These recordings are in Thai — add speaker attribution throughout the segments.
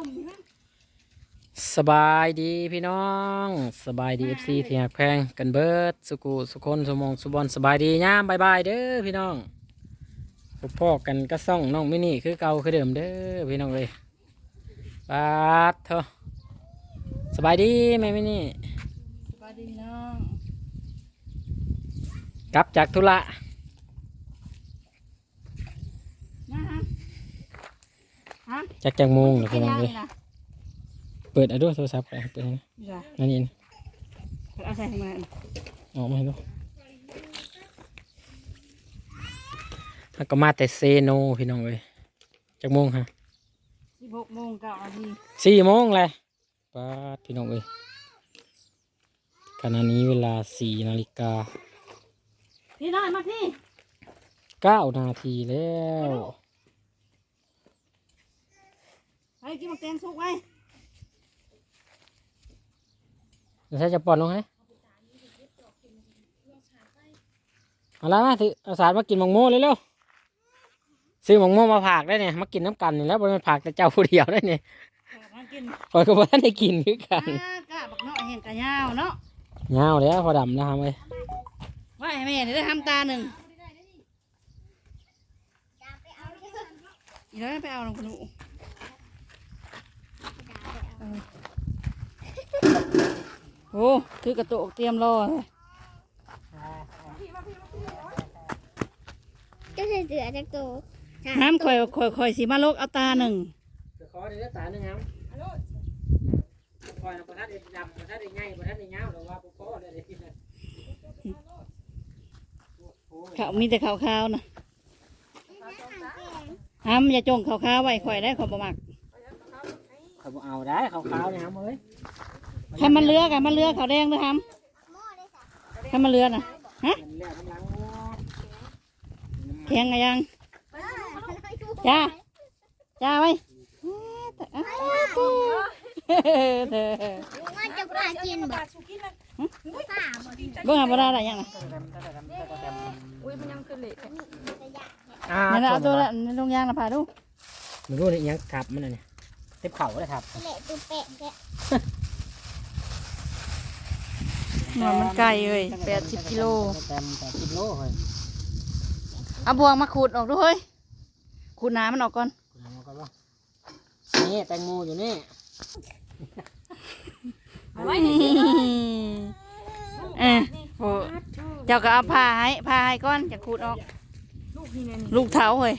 Speaker 1: สบายดีพี่น้องสบายดีFCที่หักแพงกันเบิดสุกุสุคนสมองสุบอลสบายดีย่ามบายเด้อพี่น้องพบพ่อกันก็ซ่องน้องมินี่คือเก่าคือเดิมเด้อพี่น้องเลยปาดเถอะสบายดีแม่มินี่
Speaker 2: สบายดีน้อง
Speaker 1: กลับจากธุระจากโมงเดี๋ยวพี่น้องเลยเปิดเอาด้วยโทรศัพท์ไปเปิดนะนั่นเอง
Speaker 2: เอาใส่ทำไม
Speaker 1: ออกมาให้ดูแล้วก็มาแต่เซโนพี่น้องเลยจากโมงฮะ
Speaker 2: 16:09
Speaker 1: 4 โมงเลยป้าพี่น้องเลยขณะนี้เวลา4 นาฬิกา
Speaker 2: พี่น้อยมาพี่
Speaker 1: 9 นาทีแล้ว
Speaker 2: ไปกินหมกแตงสุกไว้
Speaker 1: เดี๋ยวจะปอนลงให้เอาละมาถือเอาสารมากินหมกโม่เลยเร็วซื้อหมกโม่มาผากได้เนี่ยมากินน้ำกันนี่แล้วบริเวณผากแต่เจ้าผู้เดียวได้เนี่ยคอยก็บ่ทันได้กินคือกัน
Speaker 2: กะบักเนาะเห็นกะยาวเนาะ
Speaker 1: ยาวแล้วพอดำนะทำไว้
Speaker 2: ว่าให้แม่เดี๋ยวได้ทำตาหนึ่งอีกแล้วไปเอาลงกระดูกโอ้คือกระโตกเตรียมรอเลย
Speaker 3: ก็ใส่เสือจากโต
Speaker 2: ห้ามคอยสีมาโลกเอาตาหนึ่ง
Speaker 1: ขอเดี๋ยวตาหนึ่งครับคอยนะประทัดเด็ดดำประทัดเด็ดง่ายประทัดเด็ดเงาหรือว่าปุ๊บเดี๋ยวกินเลย
Speaker 2: เขามีแต่ขาวๆนะห้ามอย่าจงขาวๆไว้คอยได้ขอบมัก
Speaker 1: เขาเอาได้ขาวๆเนี่ยครับเฮ้ย
Speaker 2: ถ้ามันเลือกอะมันเลือกขาวแดงด้วยห้ามถ้ามันเลือกนะฮะแข็งยังจ้าไว้
Speaker 3: มันจะปลากินบ่
Speaker 2: เบื้องหาบ่ได้อะไรยังไง
Speaker 3: อุ้ยมันยังขึ้นเลย
Speaker 2: นี่นะเอาตัวละลงยางนะพาดู
Speaker 1: มันรู้นี่ยังขับมันเนี่ยเต็มเข่าเลยครับ
Speaker 3: เละตัวเปะแก
Speaker 2: มันไกลเลย80 กิโล
Speaker 1: 80 กิโลเลย
Speaker 2: เอาบวงมาขูดออกด้วยขูดน้ำมันออกก่อน
Speaker 1: นี่แตงโมอยู่นี่
Speaker 2: เจ้าก็เอาผ้าให้ก้อนจะขูดออกลูกเท้าเลย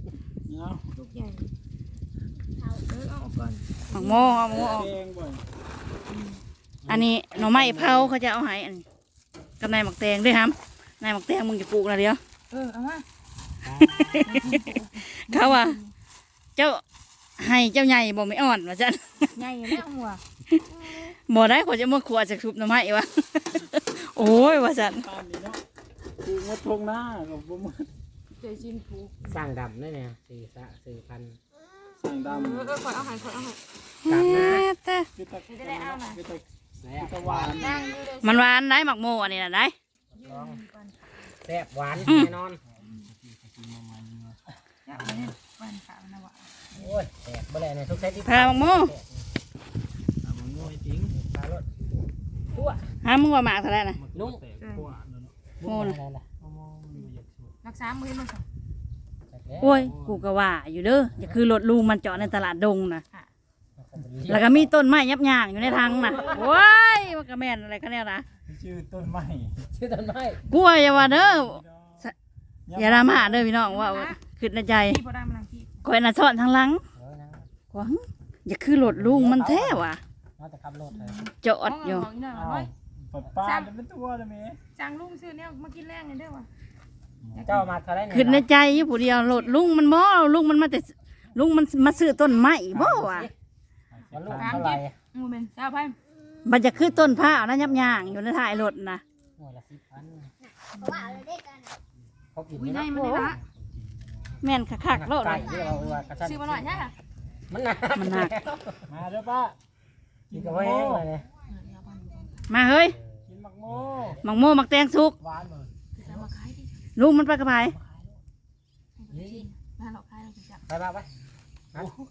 Speaker 2: หมักโม่เอาออกอันนี้หน่อไม้เผาเขาจะเอาให้อันกับนายหมักแตงด้วยครับนายหมักแตงมึงจะปลูกอะไรเดียว
Speaker 3: เอามา
Speaker 2: เขาว่าเจ้าให้เจ้าใหญ่บ่ไม่อ่อนว่าจัน
Speaker 3: ใหญ่แล้วหัว
Speaker 2: บ่ได้ขอจะมาขวดจากทุบหน่อไม้วะโอ้ยว่าจัน
Speaker 1: คือมดทงหน้ากับบ่มืด
Speaker 3: เจชินผู
Speaker 1: สร้างดำได้เนี่ย4,000
Speaker 3: สร้างดำคอยเอาให้
Speaker 1: กลับนะ
Speaker 3: จะได้เอาหน่อย
Speaker 2: มันหวานได้หมักโม่อันนี้นะได้
Speaker 1: แซ่บหวานแน่นอนโอ้ยแตกบ่ได้เนี่ยทุกเซตที่
Speaker 2: พาหมักโม่
Speaker 1: จริงพารถทั่ว
Speaker 2: มึงว่าหมากเท่าไรนะ
Speaker 1: นุ่ง
Speaker 2: โม่
Speaker 3: รักษามือมัน
Speaker 2: โอ้ยกูก็ว่าอยู่เด้ออย่าคือรถลุงมันจอดในตลาดดงนะแล้วก็มีต้นไม้ยับย่างอยู่ในทางนะโอ้ยมันก็แม่นอะไรกันเนี่ยนะ
Speaker 1: ชื่อต้นไม้
Speaker 2: กูอย่าว่าเด้ออย่าดราม่าเด้อพี่น้องว่าขึ้นในใจคอยน่ะซ่อนทางหลังกวางอย่าคือรถลุงมันแท้ว่ะจอดอยู่
Speaker 1: ป้าเป็นตัวเลยมั้ย
Speaker 3: จังลุงซื้อเนี่ยมากินแรงเลยเด้อว่ะ
Speaker 1: เจ้ามาเท่าไร
Speaker 2: ขึ้นในใจอยู่ผู้เดียวรถลุงมันบ่ลุงมันมาแต่ลุงมันมาซื้อต้นไม้บ่ว่ะ
Speaker 1: ลูกเท่าไหร่
Speaker 3: งูเป็นเจ้าไพ่
Speaker 2: มันจะคือต้นผ้านะยับย่างอยู่ในท้ายรถนะ
Speaker 1: เขากิน
Speaker 3: ไม่ได้มันได้ละ
Speaker 2: แม่นคักๆโลด
Speaker 3: ซื้อมาหน่อยใช่ไหม
Speaker 1: มันหนักมาเด้อป้ากินกับแห้งเลย
Speaker 2: มาเฮ้ย
Speaker 1: กินหมักโ
Speaker 2: ม่หมักแตงสุกลุงมันไปกระไพ
Speaker 1: ไป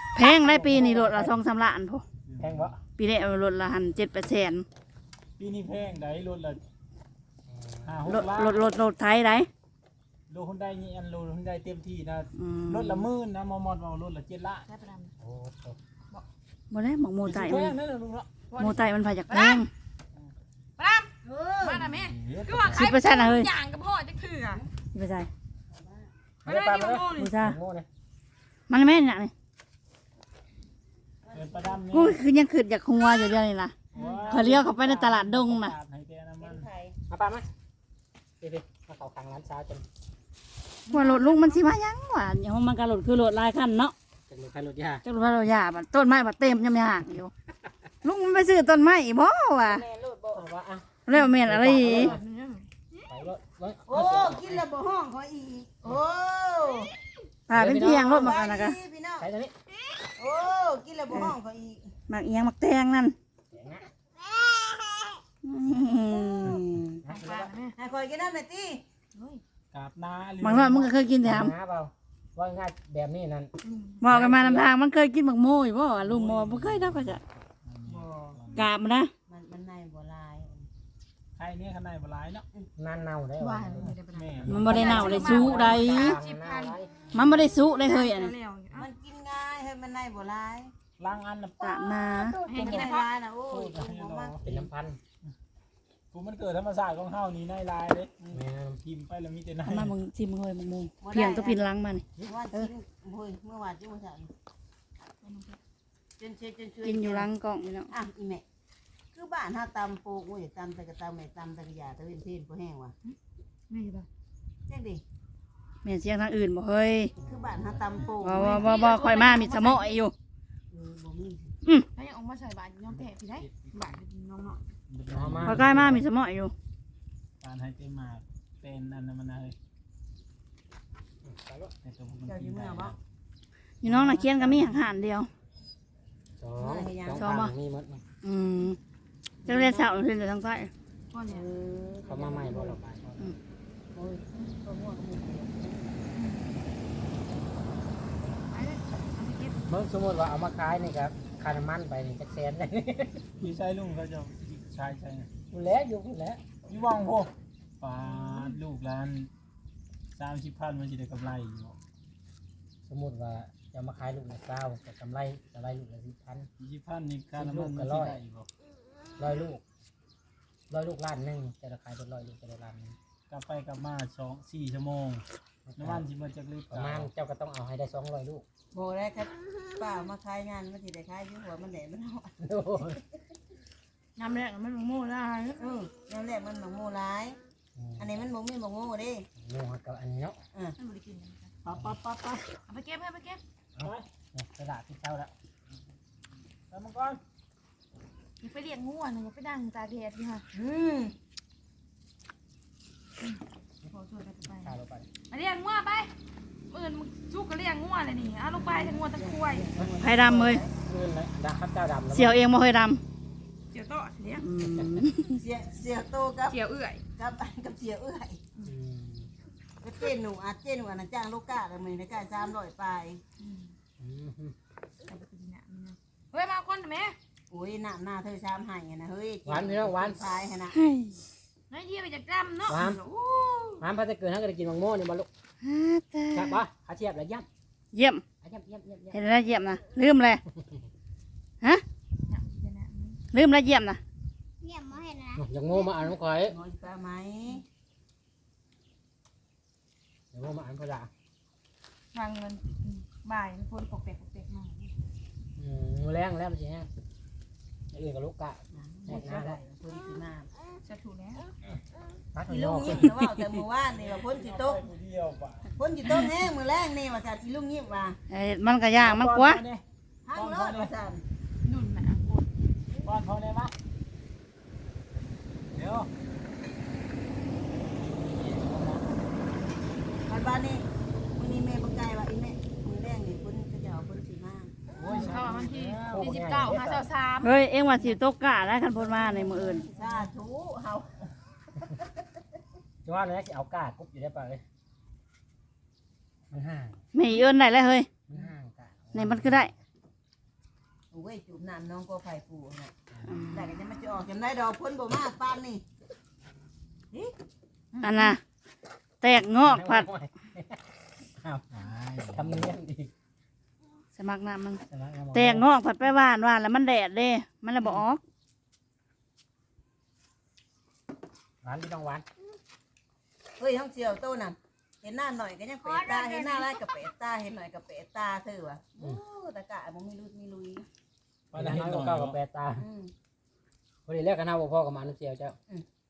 Speaker 2: แพงได้ปีนี้รถละ2-3 ล้านพอ
Speaker 1: แพงบ่
Speaker 2: ปีนี้เอารถละหัน7-8 แสน
Speaker 4: ปีนี้แพงได้รถละ
Speaker 2: รถ
Speaker 4: 5-6 ล้าน
Speaker 2: รถไทยได้
Speaker 4: รถฮุนไดนี่อันรถฮุนไดเต็มที่นะ
Speaker 2: อืม
Speaker 4: รถละหมื่นนะมอมอดเอารถละ7 ล้าน
Speaker 3: ได้ประดำ
Speaker 1: โอ้โห
Speaker 2: บ่ได้หมอกโมไต
Speaker 4: แพ
Speaker 2: มัน
Speaker 4: งนั่นน่ะลุงเนาะ
Speaker 2: โมไตมันพาจากแพง
Speaker 3: ประดำมาหน่ะแม่ก็ว่า
Speaker 2: 10%นะเฮ้ย
Speaker 3: อย่างกับพ่อจะคืออ่ะ
Speaker 2: สิไปใส่
Speaker 3: ไม่ได้กินโม่
Speaker 2: บู
Speaker 3: นี่
Speaker 2: ชา
Speaker 1: โง่เนี่ย
Speaker 2: มันแม่นน่ะนี่
Speaker 4: เดินประดำนี่
Speaker 2: กูคือยังขึ้นจากหัวอยู่เดียวนี่ล่ะพอเลี้ยวเข้าไปในตลาดดงน่ะ
Speaker 4: ให้แต่น้ำมัน
Speaker 1: มาปามาพี่มาเข้าขังร้านเช้าจน
Speaker 2: ว่ารถลุงมันสิมายังวะอย่างมันก็รถคือรถหลายคันเนาะ
Speaker 1: จะมีใครรถยา
Speaker 2: จักรพรรดิยาบัดต้นไม้บัดเต็มยังไม่ห่างอยู่ลุงมันไปซื้อต้นไม้บ่วะ
Speaker 1: บอกว่าอ่ะ
Speaker 2: แล้วแม่นอะไรอีก
Speaker 1: ไปรถรถ
Speaker 5: โอ้กินแล้วบ่ห้องขออีกโอ้
Speaker 2: พาเป็นเพียงรถมากันนะกะ
Speaker 5: พี่น้อง
Speaker 1: ใช้ตัวนี้
Speaker 5: โอ้กินแล้วบ่ห้องขออีก
Speaker 2: มักเอียงมักแตงนั่น
Speaker 1: เดี๋ยวนะ
Speaker 2: อืม
Speaker 5: ให้คอยกินน้ำหน่อยติ
Speaker 4: กราบนา
Speaker 2: บางรอบมึงก็เคยกินแถม
Speaker 1: หาเปล่าว่าง่ายแบบนี้นั่น
Speaker 2: บอกกันมานำทางมันเคยกินบักโม่อยู่บ่ลุงโม่บ่เคยเท่าก็จะ
Speaker 5: บ่
Speaker 2: กราบมันนะ
Speaker 5: มันในบ่ลาย
Speaker 4: ใครเนี่ยข้างในบ่หลายเนาะ
Speaker 1: นั่นเน่าได้
Speaker 3: ว่า
Speaker 1: ว่ะ
Speaker 3: ไม่ได้ประดำ
Speaker 4: แม่
Speaker 2: มันบ่ได้เน่าได้สุได้ มันบ่ได้สุได้เฮ้ยอันนี้
Speaker 5: มันกินง่ายเฮ้ยมันในบ่ลาย
Speaker 4: ล้างอันน่ะ
Speaker 2: กราบนา
Speaker 3: เห็น
Speaker 5: กิ
Speaker 3: กิ
Speaker 5: น
Speaker 3: น
Speaker 5: ใน
Speaker 3: ได้
Speaker 5: ลายน่ะโอ้ยกินบ่มาก
Speaker 1: เป็นน้ำพันธุ์
Speaker 4: กูมันเกิดธรรมชาติของเฮานี่ในลายเด้
Speaker 1: แม่
Speaker 4: กินไปแล้วมีแต่ใน
Speaker 2: เอามามึงสิมึงเฮ้ยมึงมุงเพียงตัวพินหลังมัน
Speaker 5: ว่ากินโอ้ยเมื่อวานที่มื้อเช้าจนเชยจนช่วย
Speaker 2: กินอยู่หลังกล่องนี่เนาะ
Speaker 5: อ่ะอีแม่คือบ้านเฮาตำโปกโอ้ยตำแต่กะตำแม่ตำแต่กะยาตะเวนเทนบ่แห้งว่ะ
Speaker 3: ไม่ได้ป่ะ
Speaker 5: จังดิ
Speaker 2: แม่นเสียงทางอื่นบ่เฮ้ย
Speaker 5: คือบ้านเฮาตำโปก
Speaker 2: บ่ข่อยมามีสมออยู่
Speaker 5: บ่มี
Speaker 3: ถ้ายังออกมาใส่บาตรยอมแพ้พี่ได้บาตรน้องเนาะ
Speaker 1: เอามา
Speaker 2: ข่อยใกล้มามีสมออยู่
Speaker 4: การให้เต็มมากเป็นอันนั้นมันนะเฮ้ยแต่ตัวมัน
Speaker 5: เจ้าอ
Speaker 4: กิ
Speaker 5: ยู่
Speaker 4: น
Speaker 5: เมื่
Speaker 4: ได้
Speaker 5: อบ่
Speaker 2: อยู่น้องน่ะเคียนก็มีหางเดียว
Speaker 1: สองพันมีหมด
Speaker 2: อืมจังได๋เช้าขึ้นแต่ทางใต้
Speaker 3: พ่อเนี่ย
Speaker 1: เขามาใหม่บ่หรอกไป
Speaker 5: โอ้ยก็ม่วงก็มี
Speaker 3: ไอ้เอาไปเก็บ
Speaker 1: เมื่อสมมติว่าเอามาขายนี่ครับคาน้ำมันไปนี่จักแสนได้
Speaker 4: พี่ชายลุงเขาจะชายใจ
Speaker 1: อยู่แล้วอยู่พุ่นแล้ว
Speaker 4: ยี่ว่างพวกปลาลูกร้าน30,000มันจะได้กำไรอยู่
Speaker 1: สมมติว่าจะเอามาขายลูกละเศร้าแต่กำไรลูกละ10,000
Speaker 4: 20,000นี่ค่าน้ำมันมันสิได้อยู่บ่
Speaker 1: 100 ลูกล้านหนึงจะราคายเป็น100 ลูกจะได้ล้านหนึง
Speaker 4: กลับไปกลับมา2-4 ชั่วโมงน้ำมันสิมาจากลิตร
Speaker 1: ประมาณเจ้าก็ต้องเอาให้ได้200 ลูก
Speaker 5: โบได้ครับป้ามาขายงานมันสิได้ขายอยู่หัวมันแหลมมันเอา
Speaker 1: โอ้ย
Speaker 3: น้ำแรกมันโม่ได้
Speaker 5: ยามแรกมันบักโม่ร้าย อันนี้มันบ่มีบักโม่เด้
Speaker 1: หมูกับอันนี้เนาะ
Speaker 3: มันบริกิน
Speaker 4: ปั๊บๆ
Speaker 3: เอาไปเก็บให้ไปเก็บ
Speaker 1: เอาเนี่ยกระดาษที่เจ้าแล้ว
Speaker 4: ๆแล้วมันก่อน
Speaker 3: อย่าไปเลี้ยงงูอ่ะอย่าไปดังตาแดดดิค่ะ ขอช่วยกันไป
Speaker 1: ข้าวลงไป
Speaker 3: มาเลี้ยงงูไปมื่นจุกก็เลี้ยงงูเลยนี่เอาลงไปทั้งงูทั้งควาย
Speaker 2: ไผดำเอ้ย
Speaker 1: เงินเลยดาข้าวเจ้าดำแล้ว
Speaker 2: เสียวเองบ่เคยด
Speaker 3: เจียวโต๊ะเลี้ยง
Speaker 2: ำอืม
Speaker 5: เสียโตกับ
Speaker 3: เจียวเอื่อย
Speaker 5: กับเสียเอื้อย
Speaker 1: อืม
Speaker 5: ก็เจนหนูอันนั้นจ้างลูกกะแล้วมื้อนี้ได้300ปลาย
Speaker 1: อืม
Speaker 3: เอาไปกินเนี่ยเฮ้ยมาคนทำไม
Speaker 5: โอ้ยน้ำหน้าเธอ3ให้นะเฮ้ย
Speaker 1: หวานพี่น้องหวาน
Speaker 5: พายให้นะ
Speaker 2: เฮ้ย
Speaker 3: น้อยเยี่ยมจากจำเนาะ
Speaker 1: หวานพอจะเกินถ้าเกิดกินมังโม่นี่บ่ลูก
Speaker 2: ฮ่าแต่
Speaker 1: จับบ่ขาเทียบแล้วย่
Speaker 2: เยี่ยม
Speaker 1: ำย่ำ
Speaker 2: เห็นแล้วเยี่ยมนะลืมเลยฮะลืมแล้วเยี่ยมนะ
Speaker 1: อย่างโง่มาอ่านน้องข่อย
Speaker 5: น้อยปลาไหม
Speaker 1: อย่างโง่มาอ่านภาษาว
Speaker 3: างเงินบ่ายคนปกเปกมา
Speaker 1: แรงแล้วมันจะแห้งอย่างอื่นกับลูกกะ
Speaker 5: ไม่ใช่ได้เพิ่นสิมา
Speaker 3: จะถูกแล้ว
Speaker 1: พัด
Speaker 5: อี
Speaker 1: น
Speaker 5: ลุ
Speaker 1: อง ก
Speaker 5: ยิ้มแต่ว่าแต่มื้อวานนี่ว่าพ้นสิตก
Speaker 4: ผู้เดียวป่ะ
Speaker 5: พ้นสิตกแห้งมื้อแรงนี่ว่าซั่นอีลุงยิ้มว่า
Speaker 2: เอ้ยมันก็ย่างมันกว่า
Speaker 5: หังเนาะว่าซั่น
Speaker 3: ดุนนะ
Speaker 4: ป้อนพอได้ปะเดี๋ยว
Speaker 5: บัดบ้านนี้มื้อนี้แม่บ่ไกลว่าอีแม่มื้อแรงนี่พ้นก็จะเอาพ้นสิมา
Speaker 4: โอ้ย
Speaker 3: เข้ามาที่29มา23
Speaker 2: เฮ้ยเอ็งว่าสิตกกะแล้วคันพ้นมาในมืออื่น
Speaker 5: สาธุเฮา
Speaker 1: จังหวะนี้สิเอากากุ๊บอยู่ได้ป่ะเอ้ยมันห่าง
Speaker 2: ไม่เอิ้นได้แล้วเฮ้ย
Speaker 1: มันห่างกะ
Speaker 2: ในมันก็ได้
Speaker 5: โอ้ยจูบน้ำน้องก็ไฟปูน่ะแต่ก็จะมาจะออกจำได้ดอกพ้นบ่มากปานนี่
Speaker 2: อันน่ะแตกงอกผัด
Speaker 1: อ้าวทำเนียมอีก
Speaker 2: สมักน้ำมัน
Speaker 1: ใช่ไหมครับ
Speaker 2: แตกงอกผัดไปหวานแล้วมันแดดเด้มันเลยบอกออก
Speaker 1: หวานพี่น้องหวาน
Speaker 5: เฮ้ยห้องเชียวโตน่ะเห็นหน้าหน่อยก็ยังเปะตาเห็นหน้าไรกับเปะตาเห็นหน่อยกับเปะตาเธอวะโอ้ตะกะมันมีลุยมีลุย
Speaker 4: ว่า
Speaker 1: วัน
Speaker 4: ได้
Speaker 1: นั้น
Speaker 4: เห็นหน่อย
Speaker 1: ก็เข้ากับ
Speaker 4: เนาะ
Speaker 1: แปดตา
Speaker 5: อืม
Speaker 1: พอดีเรียกกันเอาพ่อกับมาน้ำเสียวเจ้า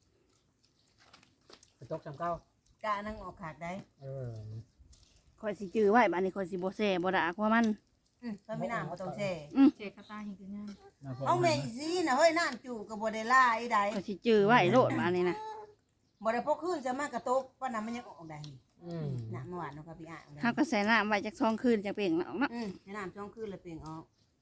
Speaker 1: ไปตกจำเก้าก
Speaker 5: ะนั่งออกขาดได้
Speaker 2: คอยสิจื้อไว้บ้านนี้คอยสิบ่แซ่บ่ด่ากว่ามัน
Speaker 5: ตอนไม่นานก็ต้องแช่
Speaker 3: เจ๊กระตายเห็นกันยัง
Speaker 5: เอาเมย์ซีนะเฮ้ยน้ำจู่กับบัวได้ล่าไอ้ใด
Speaker 2: คอยสิจื้อไว้โลดบ้านนี้นะ
Speaker 5: บัวได้พกขึ้นจะมากระตกป้าน้ำมันยังออกได้
Speaker 1: อืม
Speaker 5: น้ำเมื่อวานนะครับพี่อ่าง
Speaker 2: เฮาก็ใส่น้ำไว้จัก2คืนจังเปล่งออกเนาะ
Speaker 5: ให้น้ำช่องขึ้นเลยเปลี่ยนออก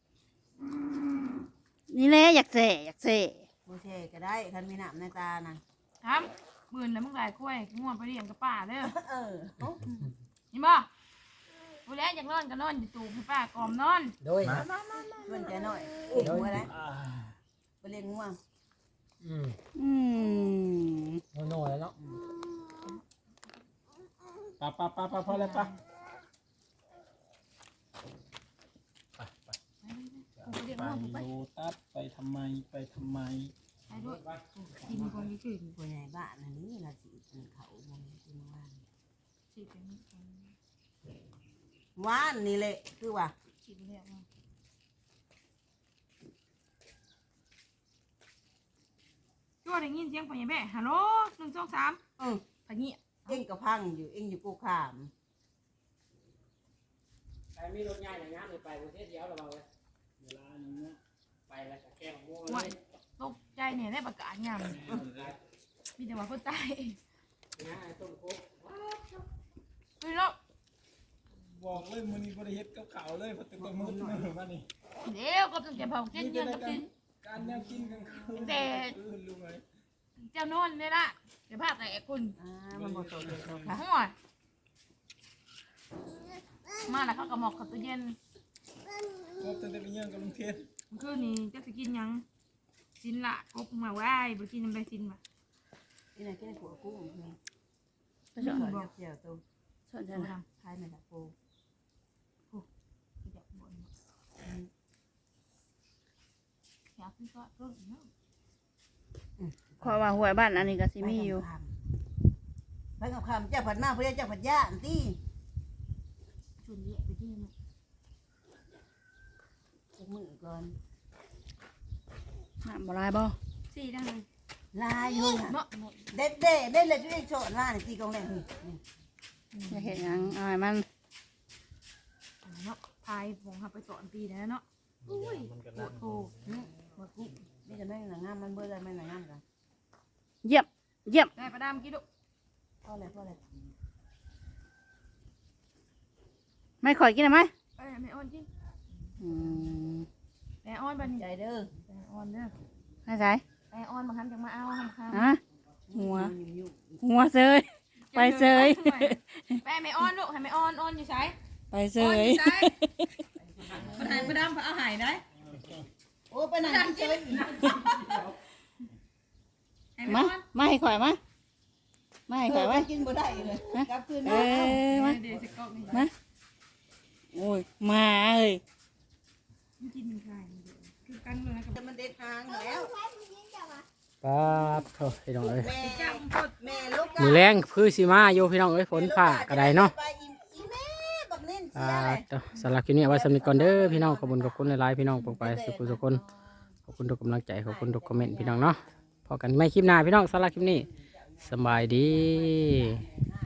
Speaker 2: นี่แหละอยากแซ่
Speaker 5: บัวแช่ก็ได้คันมีน้ำในตานะ
Speaker 3: ครับมื่นแล้วมึงหลายคุ้ยง่วงไปเรียนกับป้าเด้อ
Speaker 5: เออ
Speaker 3: เห็นบ่กูแล้วอยากนอนก็นอนอยู่ตูให้ป้ากอมนอน
Speaker 1: โดย
Speaker 5: เพื่อนใจหน่อยอุ้มหัวได้
Speaker 4: อ่า
Speaker 5: ไปเล่นง่วง
Speaker 1: อืม
Speaker 2: อืม
Speaker 1: โน่แล้วเนาะ
Speaker 4: ปะพอแล้วปะ
Speaker 3: กูไปเรียก
Speaker 4: ไป
Speaker 3: ง่วงกูไป
Speaker 4: โลตัสไปทำไม
Speaker 3: ไปด้วยกินคนนี้ถึง
Speaker 5: บัวใหญ่บ้านอันนี้เราสิเขามองกินว่าน
Speaker 3: ฉีดไปนี่
Speaker 5: ว่านนี่แหละคือว่า
Speaker 3: ฉีดไปเรียกมาช่วยได้ยินเสียงพ่อใหญ่แม่ฮัลโหล1 2 3พะเงี่ย
Speaker 5: เอ็งกับพังอยู่เอ็งอยู่กูขาม
Speaker 1: ไปมีรถใหญ่อย่างนี้เลยไปประเทศเดียวเราเลย
Speaker 4: เวลานี้นะ
Speaker 1: ไปแล้วแก้วม่วง
Speaker 3: ว่าตกใจเนี่ยได้ประกาศยำมีแต่ว่าคนตาย
Speaker 1: นะต้นโคก
Speaker 3: เฮ้ยแล้ว
Speaker 4: บอกเลยมื้อนี้บ่ได้เฮ็ดกับข้าวเลยเพราะแต่ก็มืดมื้อมานี่
Speaker 3: เดี๋ยวก็ต้องเก็บเผาเช่นเงินกับกิน
Speaker 4: การแนวกินกลางคืน
Speaker 3: แต่
Speaker 4: รู้ไหม
Speaker 3: เจ้านอนเนี่ยละเดี๋ยวพาแต่คุณ
Speaker 5: มันบ่โตเลยค่ะ
Speaker 3: หัวมาแล้วเขาก็หมอกกับตู้เย็น
Speaker 4: ก็จะได้ไปเยี่ยมกับลุงเทน
Speaker 3: เมื่อคืนนี้จะสิกินยังสินละกบมาไหว้บ่กินน้ำไปสินมา
Speaker 5: ที่ไหนกินผัวกุ้งนี่
Speaker 2: ไปสอน
Speaker 5: ขอเจียวตัว
Speaker 2: สอน
Speaker 5: จะ
Speaker 2: ฉันนะ
Speaker 5: ทำทายมันละปู
Speaker 3: อยากบ่นอยากกินก็เพิ่มเนาะ
Speaker 2: ขอว่าหวยบ้านอันนี้ก็สิมีอยู่
Speaker 5: ไปกับคำเจ้าผัดมาเพื่อเจ้าผัดย่านที่
Speaker 3: ชวนเยอะไปที่นู่น
Speaker 5: มือก่อน
Speaker 2: น้ำบ่ลายบ่
Speaker 3: สี่ได้เลย
Speaker 5: ลายอยู่
Speaker 3: เนาะ
Speaker 5: เด็ดเด็ดเด็ดเลยช่วยโชดล่าในตีกองแรงนี่
Speaker 2: อยากเห็นหยังเอาให้มัน
Speaker 3: เนาะพายผมหาไปสอนปีนะเนาะอุ้ยโอ้โห
Speaker 5: หัวกุ้งนี่จะไม่หนังงามมันเบื่ออะไรไม่หนังงามกัน
Speaker 2: เยี่ยมเยี่ยม
Speaker 3: ได้ประดามกี่ดุ
Speaker 5: พ่ออะไรพ่ออะไร
Speaker 2: ไม่ข่อยกินได้ไหม
Speaker 3: เอ้ยไม่อ้อนกิน
Speaker 2: อืม
Speaker 3: แต่อ้อนบันนี้
Speaker 5: ใจเด้อ
Speaker 3: แต่อ้อนเด้อ
Speaker 2: ให้ใส่
Speaker 3: แต่อ้อนบางครั้งจะมาเอาทำคำ
Speaker 2: ฮะหัวเซยไปเซย
Speaker 3: แม่ไม่อ้อนลูกให้ไม่อ้อนอ้อนอยู่ใช้
Speaker 2: ไปเซ
Speaker 3: อ้อน
Speaker 2: ย
Speaker 3: อยู่ใช้ประดามประดามเอาหายได้
Speaker 5: โอ้ไปหนังเฉย
Speaker 3: ให้ไม่
Speaker 2: มา
Speaker 3: อ้อน
Speaker 2: มาให้ข่อยมามาให้ข่อยไว้
Speaker 5: กินบ่ได้เลยกลับคืน
Speaker 2: เอ้
Speaker 5: มาย
Speaker 2: มา
Speaker 3: เดี๋ยวจะกอกนี่
Speaker 2: มาโอ้ยมาเอ้ย
Speaker 3: กินใครคือกันเลยนะกับ
Speaker 5: มันเด็ดหางแล้ว
Speaker 1: ปั๊บโถ่พี่น้องเอ้ย
Speaker 5: แม่
Speaker 3: จ้าพด
Speaker 5: แม่ลูก
Speaker 1: มือแรงคือสีมาอยู่พี่น้องเอ้ยฝนผ่ากระไดเนาะ
Speaker 5: ไปอีแม่บักเน้น
Speaker 1: อ่า
Speaker 5: เสียเลย
Speaker 1: เด้อสำหรับคลิปนี้เอาไว้สำนึกก่อนเด้อพี่น้องขอบคุณหลายๆพี่น้องปกไปสุขทุกคนขอบคุณทุกกำลังใจขอบคุณทุกคอมเมนต์พี่น้องเนาะพอกันไม่คลิปหน้าพี่น้องสำหรับคลิปนี้สบายดี
Speaker 5: ห